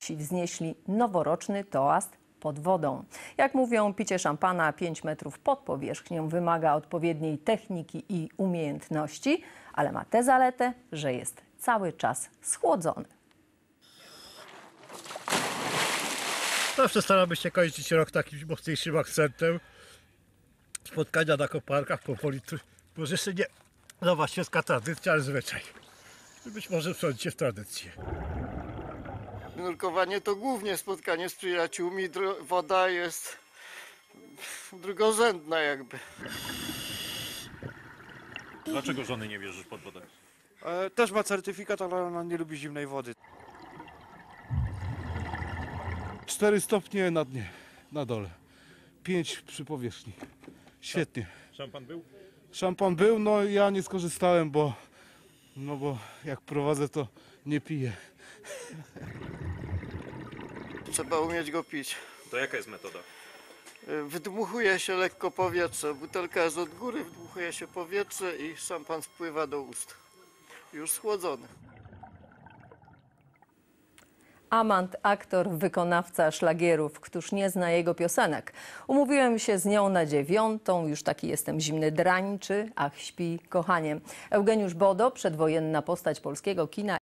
wznieśli noworoczny toast pod wodą. Jak mówią, picie szampana 5 metrów pod powierzchnią wymaga odpowiedniej techniki i umiejętności, ale ma tę zaletę, że jest cały czas schłodzony. Zawsze staramy się kończyć rok takim mocniejszym akcentem. Spotkania na koparkach powoli, może jeszcze nie nowa świecka tradycja, ale zwyczaj. Być może wsądzić się w tradycję. Nurkowanie to głównie spotkanie z przyjaciółmi, woda jest drugorzędna jakby. Dlaczego żony nie bierzesz pod wodę? Też ma certyfikat, ale ona nie lubi zimnej wody. 4 stopnie na dnie, na dole. 5 przy powierzchni. Świetnie. Szampan był? Szampan był, no ja nie skorzystałem, bo jak prowadzę, to nie piję. Trzeba umieć go pić. To jaka jest metoda? Wydmuchuje się lekko powietrze, butelka jest od góry, wdmuchuje się powietrze i szampan spływa do ust. Już schłodzony. Amant, aktor, wykonawca szlagierów. Któż nie zna jego piosenek? Umówiłem się z nią na 9. Już taki jestem zimny drań, czy Ach, śpi, kochanie. Eugeniusz Bodo, przedwojenna postać polskiego kina